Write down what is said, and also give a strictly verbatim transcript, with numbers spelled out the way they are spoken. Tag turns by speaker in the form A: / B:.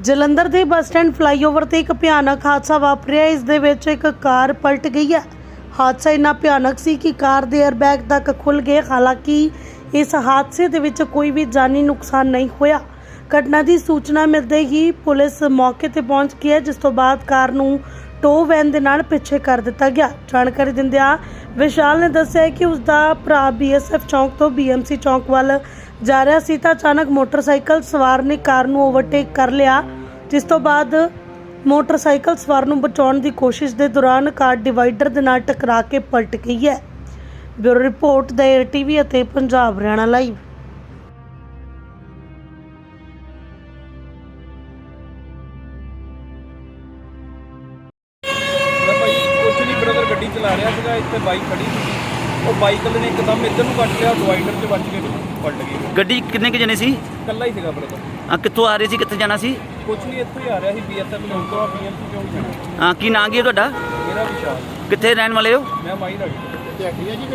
A: ਜਲੰਧਰ ਦੇ bus stand flyover ਤੇ ਇੱਕ ਭਿਆਨਕ ਹਾਦਸਾ ਵਾਪਰਿਆ। ਇਸ ਦੇ ਵਿੱਚ ਇੱਕ ਕਾਰ ਪਲਟ ਗਈ ਹੈ। ਹਾਦਸਾ ਇੰਨਾ ਭਿਆਨਕ ਸੀ ਕਿ ਕਾਰ ਦੇ 에ਅਰਬੈਗ ਤੱਕ ਖੁੱਲ ਗਏ। ਹਾਲਾਂਕਿ ਇਸ ਹਾਦਸੇ ਦੇ ਵਿੱਚ ਕੋਈ ਵੀ ਜਾਨੀ ਨੁਕਸਾਨ ਨਹੀਂ ਹੋਇਆ। ਘਟਨਾ ਦੀ ਸੂਚਨਾ ਮਿਲਦੇ ਹੀ ਪੁਲਿਸ ਮੌਕੇ ਤੇ ਪਹੁੰਚ ਗਈ ਹੈ, ਜਿਸ ਤੋਂ ਬਾਅਦ ਕਾਰ ਨੂੰ ਟੋ ਵੈਨ ਦੇ ਨਾਲ ਪਿੱਛੇ ਕਰ ਦਿੱਤਾ ਗਿਆ। ਜਾਣਕਾਰੀ ਦਿੰਦਿਆਂ ਵਿਸ਼ਾਲ ਨੇ ਦੱਸਿਆ ਕਿ ਉਸ ਦਾ ਭਰਾ ਬੀਐਸਐਫ ਚੌਂਕ ਤੋਂ ਬੀਐਮਸੀ ਚੌਂਕ ਵੱਲ ਜਾ ਰਿਹਾ ਸੀ ਤਾਂ ਅਚਾਨਕ ਮੋਟਰਸਾਈਕਲ ਸਵਾਰ ਨੇ ਕਾਰ ਨੂੰ ਓਵਰਟੇਕ ਕਰ ਲਿਆ, ਜਿਸ ਤੋਂ ਬਾਅਦ ਮੋਟਰਸਾਈਕਲ ਸਵਾਰ ਨੂੰ ਬਚਾਉਣ ਦੀ ਕੋਸ਼ਿਸ਼ ਦੇ ਦੌਰਾਨ ਕਾਰ ਡਿਵਾਈਡਰ ਦੇ ਨਾਲ ਟਕਰਾ ਕੇ ਪਲਟ ਗਈ ਹੈ। ਬਿਊਰੋ ਰਿਪੋਰਟ ਦੇ ਟੀਵੀ ਅਤੇ ਪੰਜਾਬ ਹਰਿਆਣਾ ਲਾਈਵ।
B: ਕੁਛ ਨਹੀਂ ਬ੍ਰਦਰ ਗੱਡੀ ਚਲਾ ਰਿਹਾ ਸੀਗਾ, ਇੱਥੇ ਬਾਈਕ ਖੜੀ ਸੀ। ਉਹ ਬਾਈਕ ਵਾਲੇ ਨੇ ਇੱਕਦਮ ਇੱਧਰ ਨੂੰ ਕੱਟ ਲਿਆ, ਡਿਵਾਈਡਰ 'ਚ ਵੱਜ ਕੇ ਪਲਟ ਗਈ।
C: ਗੱਡੀ ਕਿੰਨੇ ਕੁ ਜਣੇ ਸੀ?
B: ਇਕੱਲਾ ਹੀ ਸੀਗਾ ਬ੍ਰਦਰ।
C: ਆ ਕਿੱਥੋਂ ਆ ਰਹੇ ਸੀ, ਕਿੱਥੇ ਜਾਣਾ ਸੀ?
B: ਕੁਛ ਨਹੀਂ, ਇੱਥੋਂ ਹੀ ਆ ਰਿਹਾ ਸੀ ਬੀਐਸਐਫ ਚੌਂਕ ਤੋਂ, ਬੀਐਮਸੀ ਚੌਂਕ ਜਾਣਾ।
C: ਹਾਂ, ਕੀ ਨਾਂ ਕੀ ਹੈ ਤੁਹਾਡਾ?
B: ਮੇਰਾ ਵਿਸ਼ਾਲ।
C: ਕਿੱਥੇ ਰਹਿਣ ਵਾਲੇ ਹੋ?
B: ਮੈਂ ਮਾਈ ਰਾਣੀ।